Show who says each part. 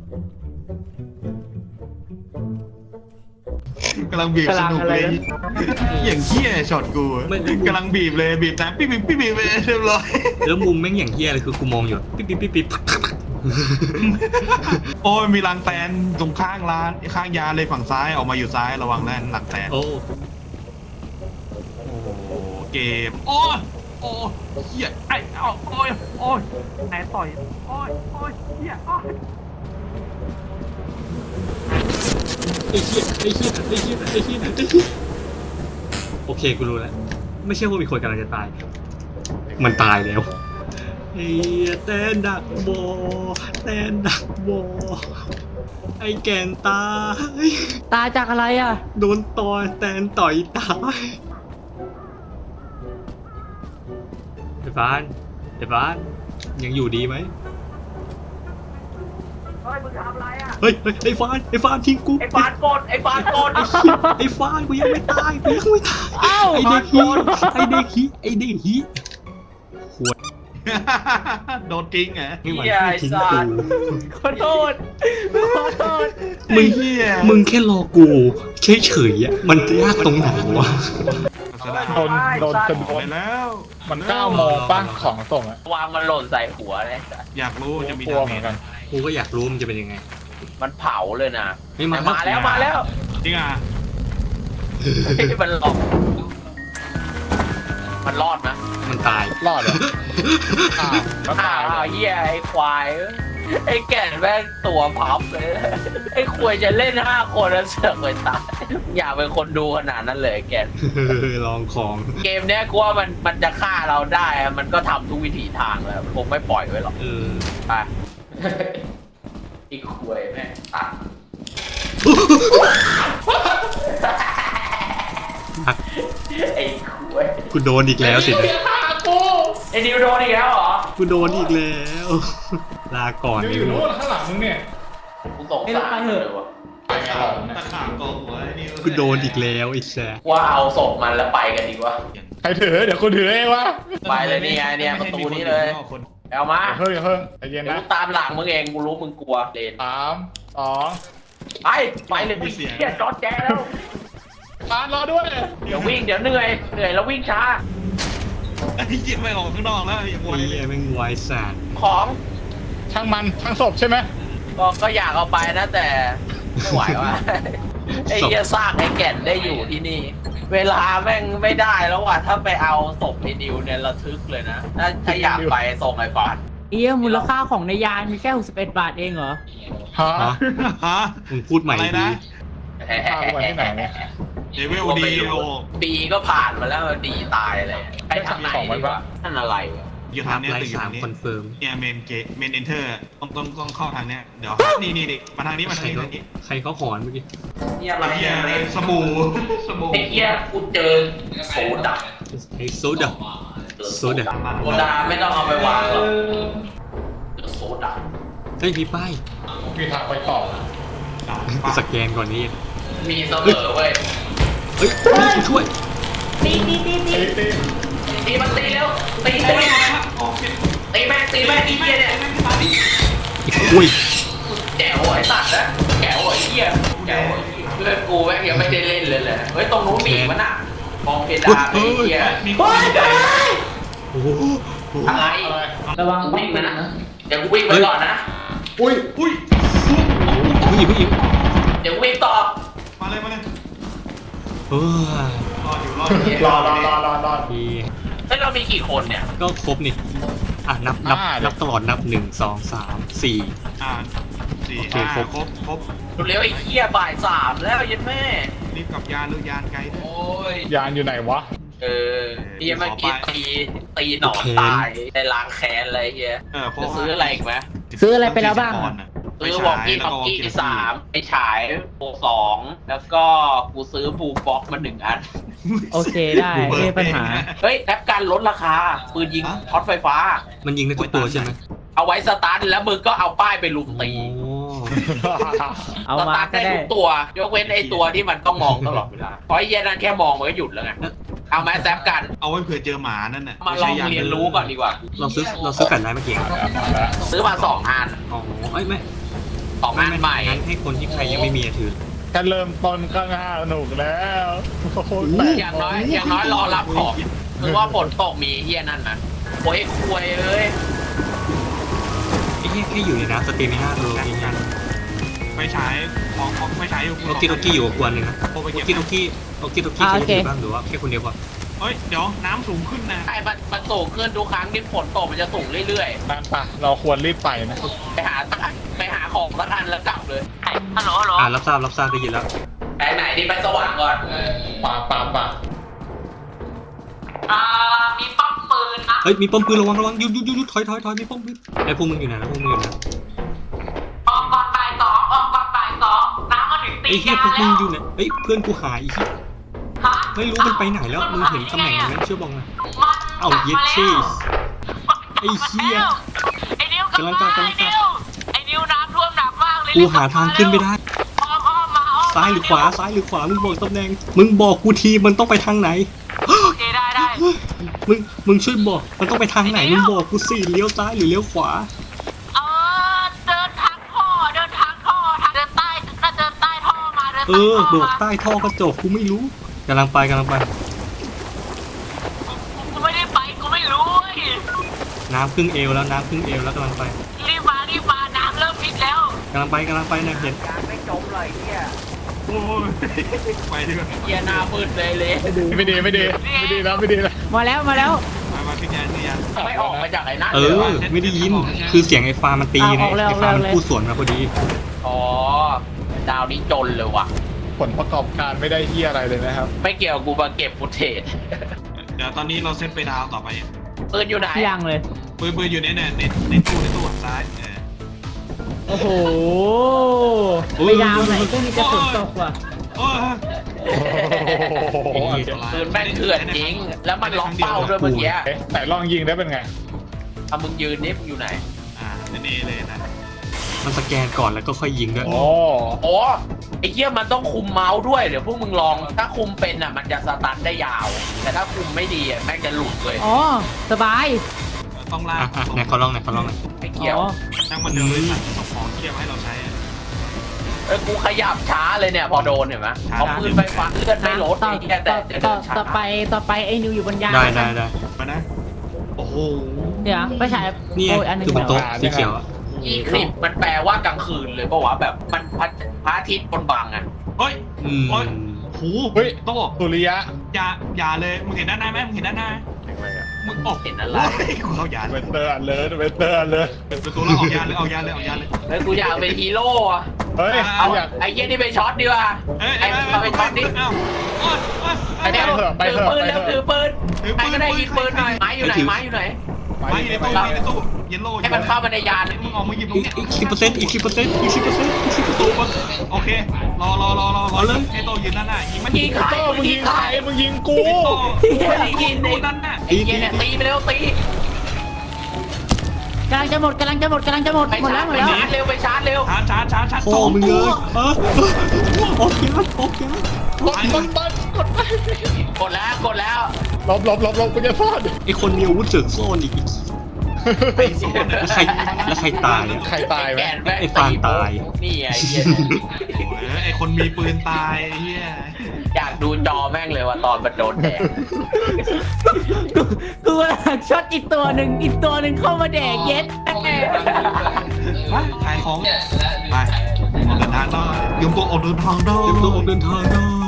Speaker 1: กำลังบีบสนุกเลยอย่างเหี้ยช็อตกูกำลังบีบเลยบีบนะปิ๊บปิ๊บปิ๊บปิ๊บเรียบร้อย
Speaker 2: แล้วมุมแม่งอย่างเฮี้ยเลยคือกูมองอยู่ปิ๊บปิ๊บปิ๊บปิ๊บ
Speaker 1: โอ้ยมีรังแตนตรงข้างร้านข้างยาเลยฝั่งซ้ายออกมาอยู่ซ้ายระวังนะหลังแตน
Speaker 2: โอ้
Speaker 1: เกมโอ้เหี้ยไอ้โอ้ยไหนต่อยโอ้ยเหี้ย
Speaker 2: ไอ้เหี้ยโอเคกูรู้แล้วไม่ใช่ว่ามีคนกำลังจะตายมันตายแล้วไอ้แตนดักโบไอ้แกนตาย
Speaker 3: จากอะไรอ่ะ
Speaker 2: โดนต่อยแตนต่อยตายไอ้ฟ้านยังอยู่ดีไหม
Speaker 3: เฮ้ยมึงทำอะไรอ่ะ
Speaker 2: เฮ้ยไอ้ฟานทิ้งกู
Speaker 3: ไอ้ฟานกดไอ้ฟาน
Speaker 2: กูยังไม่ตาย
Speaker 3: อ้าว
Speaker 2: ไอ้เด็กฮีขวด
Speaker 1: โดนจริงเหรอ
Speaker 2: ไม่ไหวทิ้งกู
Speaker 3: ขอโทษ
Speaker 2: มึงแค่รอกูเฉยๆอ่ะมันจะยากตรงไหนวะ
Speaker 4: โดนจนโดน
Speaker 1: แล้ว
Speaker 4: มัน9 โมงป่ะของส่งอะ
Speaker 3: วางมันหล่นใส่หัวเลย
Speaker 1: อยากรู้จะมี
Speaker 4: กลัวเหมือนกัน
Speaker 2: กูก็อยากรู้มันจะเป็นยังไง
Speaker 3: มันเผาเลยนะ
Speaker 2: มา
Speaker 3: แล้ว
Speaker 1: จริงอ่ะ
Speaker 3: มันหลอกมันรอดนะ
Speaker 2: มันตาย
Speaker 4: รอดเหรอ
Speaker 3: อ้าวเหี้ยไอ้ควายไอ้แก่นแม่งตัวพับเลยไอ้ควายจะเล่น5 คนแล้วเสือกไปตายอยากเป็นคนดูขนาดนั้นเลยแก่น
Speaker 2: ลองของ
Speaker 3: เกมเนี้ยกูว่ามันจะฆ่าเราได้มันก็ทำทุกวิถีทางแล้วคงไม่ปล่อยไว้หรอกไปอีกควายแม่งตัดไอ้ควาย
Speaker 2: กูโดนอีกแล้วสิ
Speaker 3: ไอ้นิวโดนอีกแล้วเหรอ
Speaker 2: กูโดนอีกแล้วลาก่อน
Speaker 4: อยู่โน่นข้างหลังมึงเนี่ย
Speaker 3: กูสงสารเลยวะ
Speaker 1: ตะขาบกองหัวไอ้นี่
Speaker 2: กูโดนอีกแล้วไอ้แซ่
Speaker 3: ว่าเอาศพมันแล้วไปกันดีกว่า
Speaker 4: ใครถือเดี๋ยวคนถือเองวะ
Speaker 3: ไปเลยนี่ไงเนี่ยประตูนี้เลยเอามา
Speaker 4: เฮ้ยใจเย็นนะ
Speaker 3: กูตามหลังมึงเองกูรู้มึงกลัวเลน
Speaker 4: 3 2
Speaker 3: ไปเลยมึงเฮียจอดแจแล้ว
Speaker 4: ฟานรอด้วย
Speaker 3: เดี๋ยววิ่งเดี๋ยวเหนื่อยแล้ววิ่งช้า
Speaker 1: ไอ้เหี้ยไม่ออกข้างนอกแล้วอย่างไวเลย
Speaker 2: ไม่ไวสาร
Speaker 3: ของ
Speaker 4: ช่างศพใช่ไหม
Speaker 3: ก็อยากเอาไปนะแต่ไม่ไหวว่ะไอ้เหี้ยซากไอ้แก่นได้อยู่ที่นี่เวลาแม่งไม่ได้แล้วว่ะถ้าไปเอาศพไอ้นิวเนี่ยระทึกเลยนะถ้าอยากไปส่งไอ้ฟาน
Speaker 5: มูลค่าของในยานมีแค่61 บาทเองเหรอ
Speaker 1: ฮะ
Speaker 2: มึงพูดใหม่นะ
Speaker 4: ที่ไหนเนี่ย
Speaker 1: เดวิลดีโอ
Speaker 3: ปีก็ผ่านมาแล้วดีตายเลยไปทางไหนวะนั่นอะไร
Speaker 1: อยู่ทางนี้ตึก
Speaker 2: 3 คอนเฟิร์ม
Speaker 1: เนี่ยเมนเอนเตอร์ต้องเข้าทางเนี้ยเดี๋ยวนี่มาทางนี้
Speaker 2: ใครเขาหอนเมื่อกี้
Speaker 3: เนี่ยอะไร
Speaker 1: สบู่
Speaker 3: ไอ้เหี้ยกูเจอโซดา
Speaker 2: โซดา
Speaker 3: ไม่ต้องเอาไปวางหรอกโซดา
Speaker 2: เฮ้ยมีป้าย
Speaker 4: มีทางไปต่อ
Speaker 2: กูสแกนก่อนนี้
Speaker 3: มีเสมอเว้ย
Speaker 2: เฮ้ยช่วย
Speaker 3: ตีมันตีแล้วตีแม่งไอ้เหี้ยเนี่ย
Speaker 2: อุ้ย
Speaker 3: แจ๋วไอ้สัตว์นะแจ๋วไอ้เหี้ยแจ๋วเพื่อนกูแม่งยังไม่ได้เล่นเลยเฮ้ยตรงนู้นมีมันอ่ะมองเพดานไอ้เหี้ยมีคนได้
Speaker 2: โอ้โห
Speaker 3: อะไร
Speaker 5: ระวัง
Speaker 3: วิ่งนะเดี๋ยวกูวิ่งไปก่อนนะ
Speaker 4: อุ้ย
Speaker 2: ผู้หญิง
Speaker 3: เดี๋ยววิ่งต่อ
Speaker 1: มาเลย
Speaker 4: รอ
Speaker 2: ที
Speaker 3: แล้วเรามีกี่คนเนี่ย
Speaker 2: ก็ครบนี่นับตลอดนับ1 2 3 4
Speaker 1: 4 5ครบ
Speaker 3: เร็วไอ้เหี้ยบ่าย3แล้วยันแม่
Speaker 1: รีบกับยานหรือยานไกล
Speaker 3: โอ้ย
Speaker 4: ยานอยู่ไหนวะ
Speaker 3: เฮียเมื่อกี้ตีหนอนตายในล้างแค้นอะไรเฮียจะซื้ออะไรอีกไหม
Speaker 5: ซื้ออะไรไปแล้วบ้าง
Speaker 3: ซื้อวอลกี้3ไอ้ฉายโป2แล้วก็กูซื้อบูฟ็อกมา1 อัน
Speaker 5: โอเคได้ไม่มีปัญหา
Speaker 3: เฮ้ยแอปการลดราคาปืนยิงช็อตไฟฟ้า
Speaker 2: มันยิงได้ทุกตัวใช่ไหม
Speaker 3: เอาไว้สตาร์ทแล้วมึงก็เอาป้ายไปลุมตี
Speaker 5: เอามา
Speaker 3: ได้ทุกตัวยกเว้นไอ้ตัวที่มันต้องมองตลอดเวลาเพราะไอ้เหี้ยนั่นแค่มองมันก็หยุดแล้วไงเอามาแซฟกัน
Speaker 1: เอาไว้เผื่อเจอหมานั่นน่ะ
Speaker 3: มาลองเรียนรู้ก่อนดีกว่า
Speaker 2: เราซื้อกันได้เมื่อกี้
Speaker 3: ซื้อมา2 อัน
Speaker 2: อ๋อไม่
Speaker 3: ของงานใหม่
Speaker 2: งั้นให้คนที่ใครยังไม่มีอะถือ
Speaker 4: แค่เริ่มต้นก็น่าสนุกแล้วโอ้โห
Speaker 3: อย่างน้อยรอรับของคือว่าฝนตกมีเฮียนั่นนะโอ้ยควยเอ้ย
Speaker 2: ไอ้เหี้ยแค่อยู่ในน้ำสเตมิน่าตัวเองงั้น
Speaker 1: ไม่ใช้ของไม่ใช้อยู่
Speaker 2: โอกิโตกิอยู่กับกวนหนึ่งนะ
Speaker 1: โอไป
Speaker 2: โอ
Speaker 1: เก็บ
Speaker 2: กิโตกิใครอยู่บ้างหรือว่าแค่คนเดียวพอ
Speaker 1: เฮ้ยเดี๋ยวน้ำสูงขึ้นนะ
Speaker 3: ไอ้มันสูงขึ้นทุกครั้งที่ฝนตกมันจะสูงเรื่อย
Speaker 4: นั่นปะเราควรรีบไปนะ
Speaker 3: ๆไปหาของสักอันแล้วกลับเลยฮัลโหล
Speaker 2: รับทราบได้ยินแล้ว
Speaker 3: ไปไหนดีไปสว่างก่อน
Speaker 4: ป่า
Speaker 3: มีป้อมปืนนะ
Speaker 2: เฮ้ยมีป้อมปืนระวังหยุดถอยมีป้อมปืนไอ้พวกมึงอยู่ไหนนะพวกมึงอยู่ไหน
Speaker 3: ออกก่อนบ่ายสองน้ำมาถึงตี
Speaker 2: ไอ้เหี้ยพวกมึงอยู่ไหนเฮ้ยเพื่อนกูหายอีก
Speaker 3: ฮะ
Speaker 2: ไม่รู้มันไปไหนแล้วมึงเห็นตำแหน่งนั้นเชื่อบอกนะเอาเย็ดเชสไอ้เหี้ย
Speaker 3: ไอ้นิว
Speaker 2: กำลังกลับ
Speaker 3: ไอ้นิวน้ำท่วมหนักมากเลย
Speaker 2: กูหาทางขึ้นไม่ได้
Speaker 3: อ้อมมา
Speaker 2: ซ้ายหรือขวามึงบอกตำแหน่งมึงบอกกูทีมันต้องไปทางไหน
Speaker 3: โอเคได้
Speaker 2: มึงช่วยบอกมันต้องไปทางไหนมึงบอกกูสิเลี้ยวซ้ายหรือเลี้ยวขวา
Speaker 3: เดินทางท่อเดินใต้น่าเดินใต้ท่อมาเดิน
Speaker 2: เออโดดใต้ท่อกระจกกูไม่รู้กำลังไป
Speaker 3: กูไม่ได้ไปกูไม่รู้
Speaker 2: น้ำครึ่งเอวแล้วกำลังไป
Speaker 3: รีบมาน้ำเริ่มพิษแล้ว
Speaker 2: กำลังไปนะเห็น
Speaker 3: ไม่จมเลยเนี่ย
Speaker 1: โอ้ยไปดีกว่า
Speaker 3: เกียร์หน้ามืดเลย
Speaker 4: ไม่ดีแล้ว
Speaker 5: มาแล้ว
Speaker 1: มาขึ้นยานขึ้นยาน
Speaker 3: ไม่ออกมาจากไอ้นั่น
Speaker 2: เอ
Speaker 3: เลย
Speaker 2: อ
Speaker 3: วะ
Speaker 2: ไม่ได้ยินคือเสียงไอ้ฟ้ามันตีไง
Speaker 5: ออกเลย
Speaker 2: ไอ้ฟ้ามันพูดสวนมาพอดี
Speaker 3: อ๋อดาวนี้จนเลยว่ะ
Speaker 4: ผลประกอบการไม่ได้เฮียอะไรเลยนะครับ
Speaker 3: ไม่เกี่ยวกูมาเก็บฟุตเทจ
Speaker 1: เดี๋ยวตอนนี้เราเซตไปดาวต่อไป
Speaker 3: ปืนอยู่ไหน
Speaker 5: ยังเลย
Speaker 1: ปืนอยู่ในตู้ซ้าย
Speaker 5: โอ้โหไปดาวไหนก็มีจะฝนตกว่ะ
Speaker 1: โอ้ย
Speaker 4: โอ้โห
Speaker 3: ปืนแม่งเถื่อนจริง แล้วมันล็อกเป้าด้วยเมื่อกี้
Speaker 4: แต่ลองยิงได้เป็นไง
Speaker 3: ถ้ามึงยืนนี่มึงอยู่ไหน
Speaker 1: นี่เลยนะ
Speaker 2: มันสแกนก่อนแล้วก็ค่อยยิงด้วย
Speaker 4: โอ้
Speaker 3: โอ้ไอ้เหี้ยมันต้องคุมเมาส์ด้วยเดี๋ยวพวกมึงลอง ถ้าคุมเป็นอ่ะมันจะสตันได้ยาว แต่ถ้าคุมไม่ดีอ่ะแม่งจะหลุดเลย
Speaker 5: อ๋อสบาย
Speaker 1: ต้องลาก
Speaker 2: ไหนเขาลองหน่อย
Speaker 3: ไม่เกี่ยว
Speaker 5: อ๋อ
Speaker 1: นั่งมันเดินเลยส่งของที่จะให้เราใช้
Speaker 3: กูขยับช้าเลยเนี่ยพอโดนเห็นไหมเอาปืนไฟฟ้าเลื่อนไม่ลดไอ้เหี้ยแต่จะเดินช้า
Speaker 5: ต่อไปไอ้นิวอยู่บนยาน
Speaker 2: ได้
Speaker 1: มานะโอ้โห
Speaker 5: เดี๋ยวไปฉาย
Speaker 2: นี่
Speaker 5: โอ้ยอันหนึง
Speaker 2: คือบนโต๊ะสีเขียวอะ
Speaker 3: อีคลิปมันแปลว่ากลางคืนเลยเพราะว่าแบบมันพระอาทิตย์บนบังอ่ะ
Speaker 1: เฮ้ย
Speaker 2: อืม
Speaker 1: โอ้ยโหโต้
Speaker 4: สุริยะ
Speaker 1: อย่าเลยมึงเห็นด้านหน้าไหมมึงเห็นด้านหน้ามึงออก
Speaker 3: เห็นอะไร
Speaker 1: กูเข้ายาน
Speaker 4: เวสเตอร์อันเลยเวสเตอร์อันเลย
Speaker 1: ประตูแล้วออกยานเลย
Speaker 3: เฮ้ยกูอยากเป็นฮีโร่อะ
Speaker 4: เฮ้ย
Speaker 3: เอา
Speaker 4: อยาก
Speaker 3: ไอ้เหี้ยนี่ไปช็อตดีกว่า
Speaker 1: เอ้ย
Speaker 3: ไอ้เอาไปช็อตดิ
Speaker 1: อ้าวโอ้ย
Speaker 3: ไอ้เนี่ย
Speaker 4: ไป
Speaker 3: ถือ
Speaker 4: เถอะ
Speaker 3: ปืน
Speaker 4: ไป
Speaker 3: แล้ว
Speaker 4: เถอะ
Speaker 3: ถือปืน
Speaker 1: ถือปืน
Speaker 3: ใครก็ได้ยิงปืนหน่อยไม้อยู่ไหนไม้อยู่ไหน
Speaker 1: มาอยู่ในตู้เยลโล่
Speaker 3: ให้มันเข้ามาในยาน
Speaker 1: มึงออกมาหยิบตรง
Speaker 2: อีก
Speaker 1: เนี้ย
Speaker 2: อีก10%
Speaker 1: ตู้โอเครอไอ้โตยืนด้านหน้ายิงมัน
Speaker 3: ยิงใคร
Speaker 4: โต้มึงยิงใครมึงยิงกู
Speaker 1: ไอ้โต
Speaker 3: ไม่ได้ยิง
Speaker 1: ดู
Speaker 3: ไอ้
Speaker 1: ด้านหน้า
Speaker 3: เหี้ยเนี่ยตีไปเร็วตี
Speaker 5: กำลังจะหมดหมดแล้ว
Speaker 3: ไปชาร์จเร็วไปชาร์จเร็ว
Speaker 1: ชาร์จ
Speaker 2: พ่อมึงเลยออกยาน
Speaker 4: กด
Speaker 3: กดแล้ว
Speaker 4: ลบกูจะซ่อน
Speaker 2: ไอคนมีอาวุธเสริมซ่อนอีก
Speaker 1: ไปโซน
Speaker 2: แล้วใครตายอะ
Speaker 4: ใครตายไหม
Speaker 3: แกนแม่ง
Speaker 2: ไอ้ฟางตาย
Speaker 3: นี่ไอ้เหี้ย
Speaker 1: ไอ้คนมีปืนตายเฮีย
Speaker 3: อยากดูจอแม่งเลยว่าตอนมันโดนแดก
Speaker 5: กูกำลังช็อตอีกตัวหนึ่งเข้ามาแดกเย็ดแม่
Speaker 1: ขายของไปออกเดินทางได้ยมตัวออกเดินทางได้
Speaker 2: เตรียมตัวออกเดินทางได้